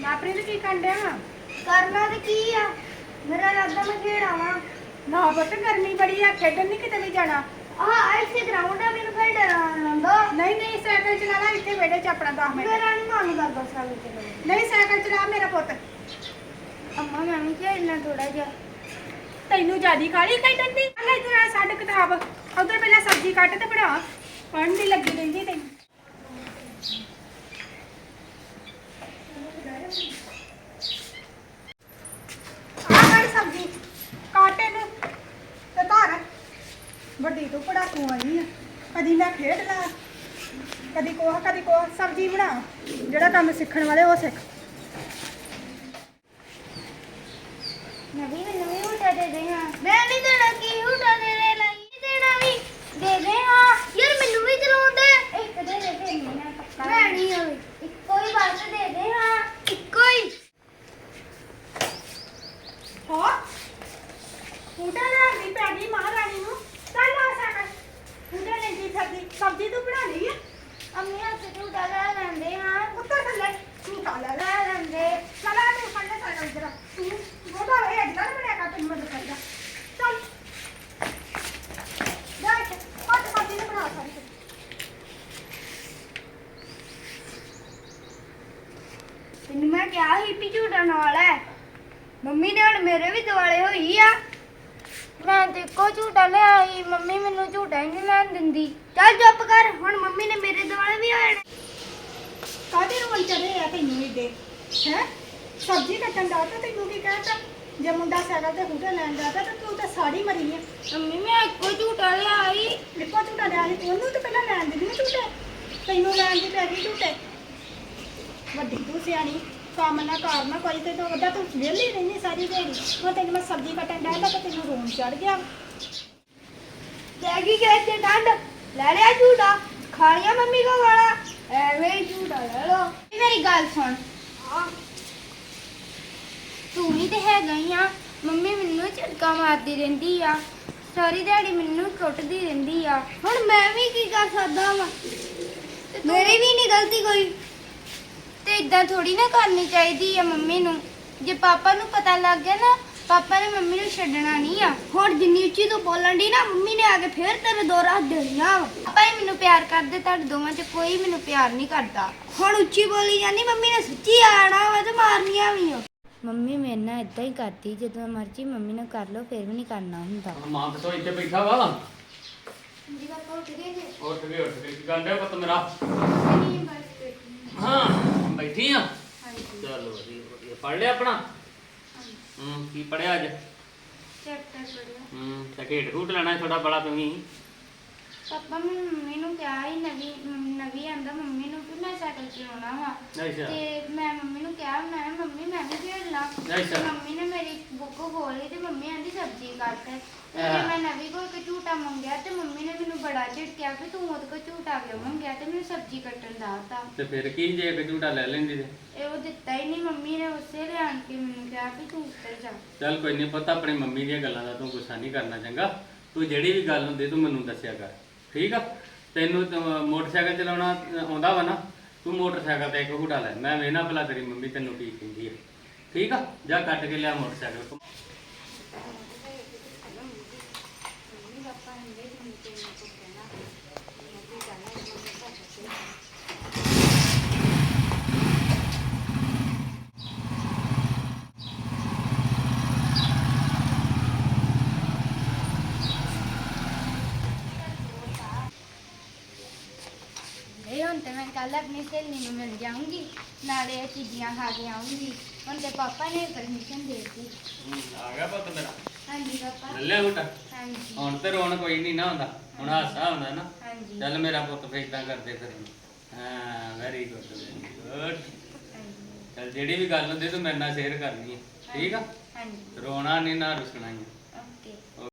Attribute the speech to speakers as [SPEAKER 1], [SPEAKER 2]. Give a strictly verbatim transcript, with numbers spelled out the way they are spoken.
[SPEAKER 1] ਆਪਣੀ ਤੇ ਕੀ ਕਰਨ ਡਿਆ ਵਾ?
[SPEAKER 2] करना तो की आ मेरा इरादा मैं खेड़ आवा
[SPEAKER 1] ਨਾ ਪੁੱਤ ਗਰਮੀ ਬੜੀ ਆ, ਖੇਡਣ ਨਹੀਂ ਕਿਤੇ ਵੀ ਜਾਣਾ।
[SPEAKER 2] हां ऐसे ग्राउंड है मेरे खेड़ लंदो
[SPEAKER 1] ਨਹੀਂ ਨਹੀਂ ਸਾਈਕਲ ਚਲਾ ਲੈ ਇੱਥੇ ਵਿਹੜੇ 'ਚ ਆਪਣਾ ਦਸ ਮਿੰਟ।
[SPEAKER 2] मेरा नहीं मन करदा साल चलो
[SPEAKER 1] ਨਹੀਂ ਸਾਈਕਲ ਚਲਾ ਮੇਰਾ ਪੁੱਤ।
[SPEAKER 2] अम्मा मैं भी खेलना थोड़ा जा
[SPEAKER 1] ਤੈਨੂੰ ਜਿਆਦੀ ਕਾਹਲੀ ਖੇਡਣ ਦੀ? ਲੈ ਇਧਰ ਆ ਛੱਡ ਕਿਤਾਬ, ਉਧਰ ਪਹਿਲਾਂ ਸਬਜ਼ੀ ਕੱਟ ਤੇ ਬਣਾ। ਪੜ੍ਹਨ ਦੀ ਲੱਗੀ ਰਹਿੰਦੀ ਤੈਨੂੰ। ਆ ਕਰ ਸਬਜ਼ੀ ਕੱਟ ਇਹਨੂੰ ਤੇ ਧਰ। ਵੱਡੀ ਤੂੰ ਪੜਾਕੂ ਆਈ ਆ, ਕਦੀ ਮੈਂ ਖੇਡ ਲਾ, ਕਦੀ ਕੋਹ ਕਦੀ ਕੋਹ। ਸਬਜ਼ੀ ਬਣਾ, ਜਿਹੜਾ ਕੰਮ ਸਿੱਖਣ ਵਾਲੇ ਉਹ ਸਿੱਖ।
[SPEAKER 2] नवी में नवी उठा दे दे हां मैं नहीं देना की उठा दे दे लाई देना भी दे दे हां यार मेनू भी चलाउं दे एक दे दे फिर मैं पक्का मैं नहीं होई इक्को ही बात दे दे हां इक्को ही
[SPEAKER 1] ਹਾਂ ਉਡਾ ਲੈਂਦੀ ਪੈ ਗਈ ਮਹਾਰਾਣੀ ਨੂੰ। ਚੱਲ ਆ ਸਾਕਰ ਉਡਾ ਲੈਂਦੀ ਫਿਰਦੀ। ਸਬਜ਼ੀ ਤੂੰ ਬਣਾ ਲਈ ਆ?
[SPEAKER 2] अम्मी हाथ से उठा ला लेंदे हां
[SPEAKER 1] ਉੱਤਰ ਥੱਲੇ ਝੂਟਾ ਲੈ ਲੈ।
[SPEAKER 2] ला लेंदे
[SPEAKER 1] ਚਲਾ ਤੂੰ ਫੜਨੇ ਸਾਈਕਲ ਜਰਾ। ਤੂੰ ਗੋਡਾ ਇਹ ਅੱਡਾ ਨਾ ਬਣਿਆ ਕਰ, ਤੈਨੂੰ ਮਦਦ ਕਰਦਾ। ਚੱਲ ਜਾ ਕੇ ਪੱਟ ਸਬਜ਼ੀ ਨੂੰ ਬਣਾ ਸਾਰੀ।
[SPEAKER 2] ਤੈਨੂੰ ਮੈਂ ਕਿਹਾ ਸੀ ਵੀ ਝੂਟਾ ਨਾਲ ਹੈ। ਮੰਮੀ ਨੇ ਹੁਣ ਮੇਰੇ ਵੀ ਦਿਵਾਲੇ ਹੋਈ ਆ। ਮੈਂ ਤੇ ਇੱਕੋ ਝੂਟਾ ਲਿਆ ਸੀ, ਮੰਮੀ ਮੈਨੂੰ ਝੂਟਾ ਹੀ ਨਹੀਂ ਲੈਣ ਦਿੰਦੀ। ਚੱਲ ਚੁੱਪ ਕਰ, ਹੁਣ ਮੰਮੀ ਨੇ ਮੇਰੇ ਦਿਵਾਲੇ ਵੀ ਹੋਏ ਨੇ।
[SPEAKER 1] ਕਾਹਦੇ ਰੋਲ ਚੜੇ ਆ ਤੈਨੂੰ ਏਡੇ? ਹੈ ਸਬਜ਼ੀ ਕੱਟਣ ਦਾ ਤਾਂ ਤੈਨੂੰ ਕੀ ਕਹਿਤਾ? ਜੇ ਮੁੰਡਾ ਸਾਈਕਲ ਤੇ ਹੂਟਾ ਲੈਣ ਜਾਂਦਾ ਤਾਂ ਤੂੰ ਤਾਂ ਸਾੜੀ ਮਰੀ ਆ।
[SPEAKER 2] ਮੰਮੀ ਮੈਂ ਇੱਕੋ ਝੂਟਾ ਲਿਆ ਸੀ।
[SPEAKER 1] ਇੱਕੋ ਝੂਟਾ ਲਿਆ ਸੀ, ਉਹਨੂੰ ਤਾਂ ਪਹਿਲਾਂ ਲੈਣ ਦਿੰਦੀ ਨਾ ਝੂਟੇ। ਤੈਨੂੰ ਲੈਣ ਦੀ ਪੈ ਗਈ ਝੂਟੇ। ਵੱਡੀ ਤੂੰ ਸਿਆਣੀ, ਕੰਮ ਨਾ ਕਰ ਨਾ ਕੋਈ, ਤੇ ਤੂੰ ਵੱਡਾ ਤੂੰ ਵਿਹਲੀ ਰਹਿੰਦੀ ਸਾਰੀ ਦਿਹਾੜੀ। ਹੁਣ ਤੈਨੂੰ ਮੈਂ ਸਬਜ਼ੀ ਕੱਟਣ ਡਿਆ ਤਾਂ ਤੈਨੂੰ ਰੋਣ ਚੜ ਗਿਆ।
[SPEAKER 2] ਲੈ ਗਈ ਗਏ ਤੇ ਡੰਡ ਲੈ ਲਿਆ ਝੂਟਾ, ਖਾ ਲਿਆ ਮੰਮੀ ਕੋ ਵਾਲਾ, ਐਵੇਂ ਹੀ ਝੂਟਾ ਲੈ ਲੋ। ਮੇਰੀ ਗੱਲ ਸੁਣ, ਤੂੰ ਵੀ ਤੇ ਹੈਗਾ ਹੀ ਆ। ਮੰਮੀ ਮੈਨੂੰ ਝਟਕਾ ਮਾਰਦੀ ਰਹਿੰਦੀ ਆ, ਸਾਰੀ ਦਿਹਾੜੀ ਮੈਨੂੰ ਕੁੱਟਦੀ ਰਹਿੰਦੀ ਆ। ਹੁਣ ਮੈਂ ਵੀ ਕੀ ਕਰ ਸਕਦਾ ਵਾ? ਮੇਰੀ ਵੀ ਨਹੀਂ ਗਲਤੀ ਕੋਈ। ਤੇ ਇਦਾਂ ਥੋੜੀ ਨਾ ਕਰਨੀ ਚਾਹੀਦੀ ਆ ਮੰਮੀ ਨੂੰ। ਜੇ ਪਾਪਾ ਨੂੰ ਪਤਾ ਲੱਗ ਗਿਆ ਨਾ, ਪਾਪਾ ਨੇ ਮੰਮੀ ਨੂੰ ਛੱਡਣਾ ਨਹੀਂ ਆ। ਹੁਣ ਜਿੰਨੀ ਉੱਚੀ ਤੂੰ ਬੋਲਣ ਦੀ ਨਾ, ਮੰਮੀ ਨੇ ਆ ਕੇ ਫੇਰ ਤੇਰੇ ਦੋ ਰਾਤ ਦੇਣੀਆਂ। ਪਾਪਾ ਹੀ ਮੈਨੂੰ ਪਿਆਰ ਕਰਦੇ, ਤੁਹਾਡੇ ਦੋਵਾਂ 'ਚ ਕੋਈ ਮੈਨੂੰ ਪਿਆਰ ਨਹੀਂ ਕਰਦਾ। ਹੁਣ ਉੱਚੀ ਬੋਲੀ ਜਾਂਦੀ, ਮੰਮੀ ਨੇ ਸੱਚੀ ਆਣਾ ਵਾ ਤੇ ਮਾਰਨੀਆਂ ਵੀ ਆ। ਮੰਮੀ ਮੇਰੇ ਨਾਲ ਇਦਾਂ ਹੀ ਕਰਦੀ, ਜਦੋਂ ਮਰਜ਼ੀ ਮੰਮੀ ਨਾਲ ਕਰ ਲਓ, ਫੇਰ ਵੀ ਨਹੀਂ ਕਰਨਾ ਹੁੰਦਾ।
[SPEAKER 3] ਮਾਂ ਕਿਥੋਂ ਇੱਥੇ ਬੈਠਾ ਵਾ?
[SPEAKER 2] ਜੀ ਪਾਪਾ ਉੱਠ ਗਏ ਜੀ।
[SPEAKER 3] ਉੱਠ ਗਏ ਉੱਠ ਗਏ ਕੀ ਕਰਦੇ ਪੁੱਤ ਮੇਰਾ?
[SPEAKER 2] ਨਹੀਂ ਬਸ ਬੈਠੀ
[SPEAKER 3] ਹਾਂ ਬੈਠੀ ਆ।
[SPEAKER 2] ਹਾਂਜੀ
[SPEAKER 3] ਚਲੋ ਵਧੀਆ ਵਧੀਆ। ਪੜ ਲਿਆ ਆਪਣਾ? ਹੂੰ ਕੀ ਪੜਿਆ ਅੱਜ?
[SPEAKER 2] ਚੈਪਟਰ ਪੜਿਆ।
[SPEAKER 3] ਹੂੰ ਤੇ ਖੇਡ ਖੂਡ ਲੈਣਾ ਥੋੜਾ ਬੜਾ ਤੁਸੀਂ।
[SPEAKER 2] ਪਾਪਾ ਮੈਂ ਮੰਮੀ ਨੂੰ ਕਿਹਾ ਸੀ, ਨਵੀਂ ਨਵੀਂ ਆਂਦਾ ਮੰਮੀ ਨੂੰ ਕਿ ਮੈਂ ਸਾਈਕਲ ਚਲਾਉਣਾ ਵਾ।
[SPEAKER 3] ਅੱਛਾ
[SPEAKER 2] ਤੇ ਮੈਂ ਮੰਮੀ ਨੂੰ ਕਿਹਾ, ਮੈਂ ਕਿਹਾ, ਮੰਮੀ ਮੈਂ ਵੀ ਖੇਡ ਲਾਂ।
[SPEAKER 3] ਅੱਛਾ।
[SPEAKER 2] ਮੰਮੀ ਨੇ ਮੇਰੀ ਬੁੱਕ ਖੋਲੀ ਤੇ ਮੰਮੀ ਆਂਦੀ ਸਬਜ਼ੀ ਕੱਟ। ਤੇ
[SPEAKER 3] ਹਾਂ।
[SPEAKER 2] ਮੈਂ ਨਵੀਂ ਕੋਲ ਕੇ ਝੂਟਾ ਮੰਗਿਆ ਤੇ ਮੰਮੀ ਨੇ ਮੈਨੂੰ ਬੜਾ ਝਿੜਕਿਆ ਕਿ ਤੂੰ ਉਹਦੇ ਕੋਲ ਝੂਟਾ ਕਿਉਂ ਮੰਗਿਆ, ਤੇ ਮੈਨੂੰ ਸਬਜ਼ੀ ਕੱਟਣ ਦਾਤਾ।
[SPEAKER 3] ਤੇ ਫਿਰ ਕੀ ਜੇ ਇੱਕ ਝੂਟਾ ਲੈ ਲੈਂਦੀ ਤੇ?
[SPEAKER 2] ਇਹ ਉਹ ਦਿੱਤਾ ਹੀ ਨਹੀਂ। ਮੰਮੀ ਨੇ ਉਸੇ ਲਿਆਣ ਕੇ ਮੈਨੂੰ ਕਿਹਾ ਵੀ ਤੂੰ ਉੱਤਰ ਜਾ।
[SPEAKER 3] ਚੱਲ ਕੋਈ ਨਹੀਂ ਪੁੱਤ, ਆਪਣੀ ਮੰਮੀ ਦੀਆਂ ਗੱਲਾਂ ਦਾ ਤੂੰ ਗੁੱਸਾ ਨਹੀਂ ਕਰਨਾ ਚੰਗਾ। ਤੂੰ ਜਿਹੜੀ ਵੀ ਗੱਲ ਹੁੰਦੀ ਤੂੰ ਮੈਨੂੰ ਦੱਸਿਆ ਕਰ, ਠੀਕ ਆ? ਤੈਨੂੰ ਤਾਂ ਮੋਟਰਸਾਈਕਲ ਚਲਾਉਣਾ ਆਉਂਦਾ ਵਾ ਨਾ, ਤੂੰ ਮੋਟਰਸਾਈਕਲ ਤੇ ਇੱਕ ਝੂਟਾ ਲੈ। ਮੈਂ ਵੇਖਣਾ ਭਲਾ ਤੇਰੀ ਮੰਮੀ ਤੈਨੂੰ ਕੀ ਕਹਿੰਦੀ ਆ, ਠੀਕ ਆ? ਜਾ ਕੱਟ ਕੇ ਲਿਆ ਮੋਟਰਸਾਈਕਲ।
[SPEAKER 2] ਇਹ ਹੁਣ ਤੇ ਮੈਂ ਕੱਲ ਆਪਣੀ ਸਹੇਲੀ ਨੂੰ ਮਿਲ ਜਾਊਂਗੀ, ਨਾਲੇ ਇਹ ਚੀਜ਼ੀਆਂ ਖਾ ਕੇ ਆਊਂਗੀ। ਹੁਣ ਤੇ ਪਾਪਾ ਨੇ ਪਰਮਿਸ਼ਨ ਦੇ ਦਿੱਤੀ।
[SPEAKER 3] ਆ ਗਿਆ ਪੁੱਤ ਮੇਰਾ?
[SPEAKER 2] ਹਾਂਜੀ ਪਾਪਾ।
[SPEAKER 3] ਲੈ ਲਿਆ ਝੂਟਾ?
[SPEAKER 2] ਹਾਂਜੀ
[SPEAKER 3] ਹੁਣ ਤੇ ਰੋਣ ਕੋਈ ਨਹੀਂ ਨਾ ਹੁੰਦਾ, ਹੁਣ ਹਾਸਾ ਹੁੰਦਾ ਨਾ।
[SPEAKER 2] ਹਾਂਜੀ
[SPEAKER 3] ਚੱਲ ਮੇਰਾ ਪੁੱਤ ਫੇਰ ਏਦਾਂ ਕਰਦੇ ਫਿਰ। ਹਾਂ ਵੈਰੀ ਗੁੱਡ ਵੈਰੀ ਗੁੱਡ। ਚੱਲ ਜਿਹੜੀ ਵੀ ਗੱਲ ਹੁੰਦੀ ਤੂੰ ਮੇਰੇ ਨਾਲ ਸ਼ੇਅਰ ਕਰਨੀ ਹੈ, ਠੀਕ ਆ?
[SPEAKER 2] ਹਾਂਜੀ
[SPEAKER 3] ਰੋਣਾ ਨਹੀਂ ਨਾ ਰੁਸਣਾ ਹੀ ਆ।